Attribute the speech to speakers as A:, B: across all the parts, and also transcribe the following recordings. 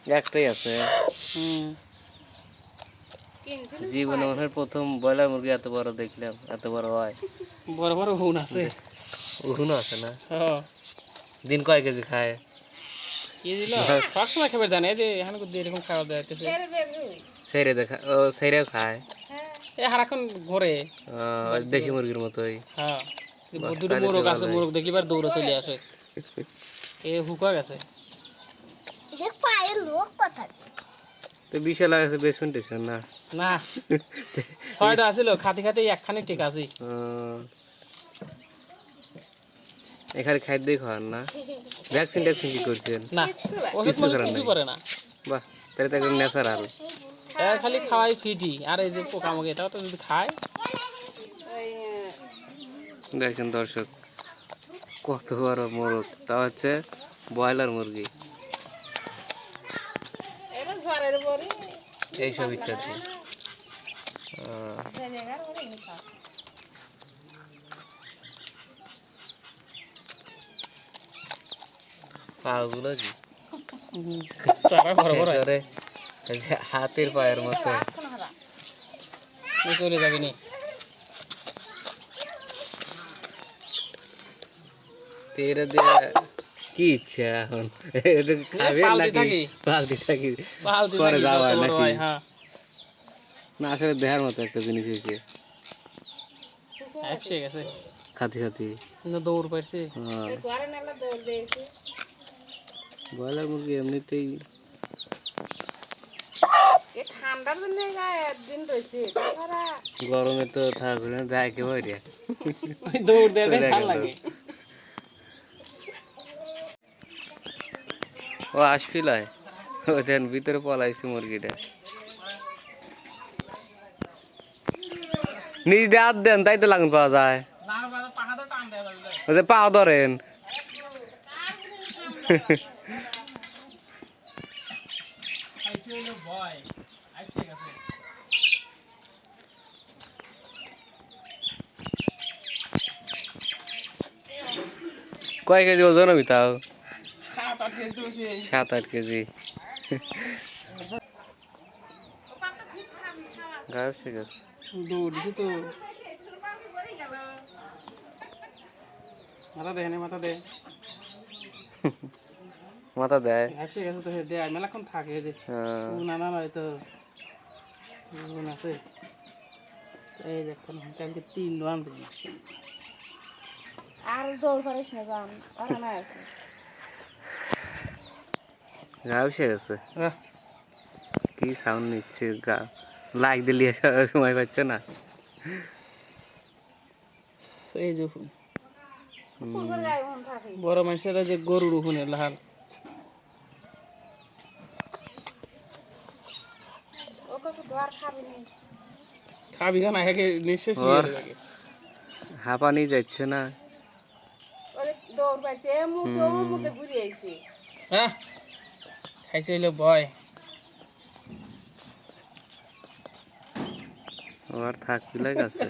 A: একটাই আছে। জীবনে মনে হয় প্রথম ব্রয়লার মুরগি এত বড় দেখলাম, এত বড় হয়।
B: বড় বড় হুন আছে।
A: উহুনও আছে না?
B: হ্যাঁ।
A: দিন কয় কেজি খায়?
B: কি দিল? সবসময় খাবার জানে যে এখানে এরকম খাবার দেওয়াইতেছে।
A: সেরে দেখা ও সেরেও খায়।
B: এ হারাক্ষণ ঘরে
A: দেশি মুরগির মতোই।
B: হ্যাঁ
A: বাহ,
B: দুটো
A: তাহলে তো
B: মোরগ আছে,
A: ভালোই।
B: মোরগ দেখিবার দৌড়ে চলে আসে। এ হুকা গেছে।
A: তো বিশাল আছে বেসমেন্ট টেসমেন্ট না?
B: না 6টা আছিল, খাতে খাতে একখানে ঠিক আছে।
A: এখানে খাদ্যই খাওয়ান না? ভ্যাকসিন ট্যাকসিন কি করছেন?
B: না ওষুধ
A: কিছু
B: মানে
A: করার
B: কিছু
A: নাই।
B: করে না।
A: বাহ, তাহলে তো একদম ন্যাচারাল।
B: এর খালি খাওয়াই ফিটি, আর এই যে পোকামাকড় এটাও তো যদি খায়।
A: দেখেন দর্শক, কত বড় মোরগ, তা হচ্ছে ব্রয়লার মুরগি। এইসব ইত্যাদি। পাগুলো কি
B: চারা বড় বড়
A: একেবারে এই যে হাতের পায়ের মতো।
B: চলে যাবে নি।
A: তেরে দিয়ে কি ইচ্ছা এখন? এটা খাবে নাকি পালতি থাকি পরে যাওয়ার নাকি? না আসলে দেখার মতো একটা জিনিস হয়েছে। খাতি খাতি
B: দৌড় পাইছে।
A: ব্রয়লার মুরগি এমনিতেই গরমে তো থাকবে না, যায় একেবারে
B: দৌড় দেয় ভালো লাগে।
A: ও আসছিল ওদের ভিতরে পলাইছে মুরগিটা। নিজ দিয়ে হাত দেন, তাই তো লাগুন পাওয়া যায়। ওই যে পা ধরেন। কয় কেজি ওজন হবে তাও? 7-8 কেজি। গায়েব ঠিক আছে।
B: দৌড়িছি তো। মাথা দেয় না, মাথা দেয়।
A: মাথা দেয়।
B: ঠিক আছে তো দেয় মেলাক্ষণ থাকে যে না না হয়তো আছে। এই দেখুন কালকে 3 রান ছিল। আর দৌড় পারিস না জান, ওখানে আছে।
A: গায়েব ঠিক আছে। কি সাউন্ড নিচ্ছে, লাইক দিলি সময় পাচ্ছে না।
B: এই যে বড় মানুষেরা যে গরুর উহুনে লাল খাবি না, একে নিঃশ্বাস নিয়ে যাবে।
A: হাঁপানি যাচ্ছে না।
B: হ্যাঁ খাইছে হইলো ভয়।
A: আর থাকবি লাগ আছে।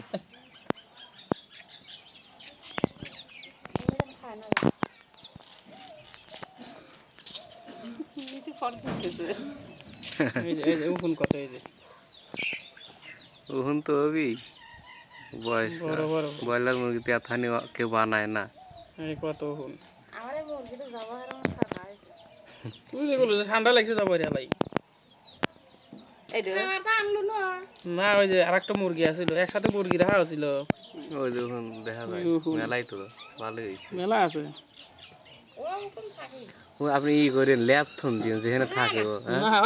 A: উহুন তো হবি বয়স। ব্রয়লার মুরগিতে এথানি কেউ বানায় না।
B: কত হুন ঠান্ডা লাগছে যাবো লাই না। ওই যে আরেকটা মুরগি আছিল, একসাথে মুরগি রাখা ছিল।
A: ওই দেখুন দেখা যায় মেলাই তো ভালোই হয়েছে।
B: মেলা আছে।
A: আপনি ই করে ল্যাপথন দিন যেখানে থাকে ও।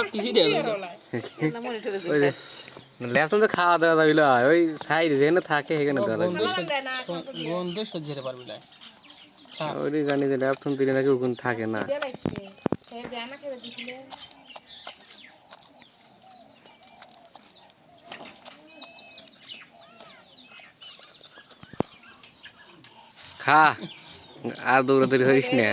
A: ওই যে ল্যাপথন তো খাওয়া দাওয়া যাবি না, ওই সাইড যেখানে থাকে সেখানে দেওয়া লাগবে।
B: গন্ধ সহ্য করতে পারবি না।
A: ওই জানি যে ল্যাপথন দিলে নাকি ওখানে থাকে না। খা আর দৌড়াদৌড়ি হইস না।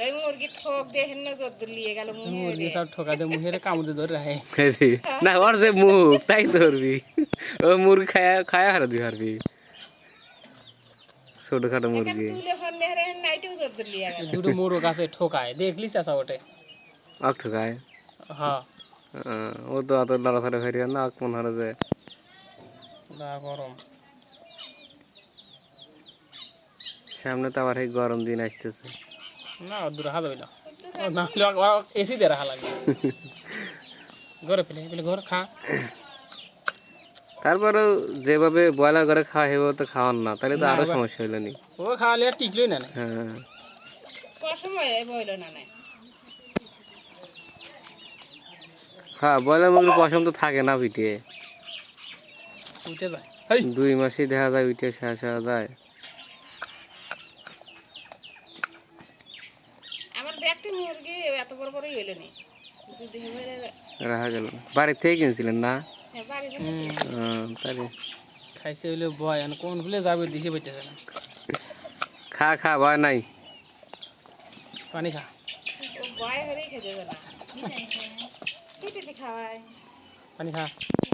A: না ওর যে মুখ তাই ধরবি, ও মুরগি খায়া খায়া হারা দিবি হারবি। ছোটখাটো মুরগি
B: দুটো মোরগ আছে ঠোকায়, দেখলি চাষা ওঠে
A: ঠোকায়।
B: হ্যাঁ
A: ও তো অত লড়াছড়া ফেরিয়ে না মনে হয় যে
B: না গরম
A: সামনে তো আবার এই গরম দিন আসতেছে
B: না দূর রাখা যাবে না না হলে এসি দিয়ে রাখা লাগবে ঘরে ফেলে ঘর খা
A: তারপরেও যেভাবে ব্রয়লার করে খাওয়া সেভাবে তো খাওয়ান না তাহলে তো
B: না,
A: আরো
B: এবার-
A: সমস্যা হইলো নি
B: ও খাওয়ালে আর টিকলই না
A: হ্যাঁ হ্যাঁ ব্রয়লার মুরগির পশম তো থাকে না পিঠে
B: উঠে যায় হেই
A: 2 মাসেই দেখা যায় পিঠে শেষ হয়ে যায় রাখা গেল বাড়ির থেকে কিনছিলেন না তাহলে
B: খাইছে হইলে ভয় আর কোন ভুলে যাবে দিশে পাইতেছে না
A: খা খা ভয় নাই
B: পানি খা পানি খা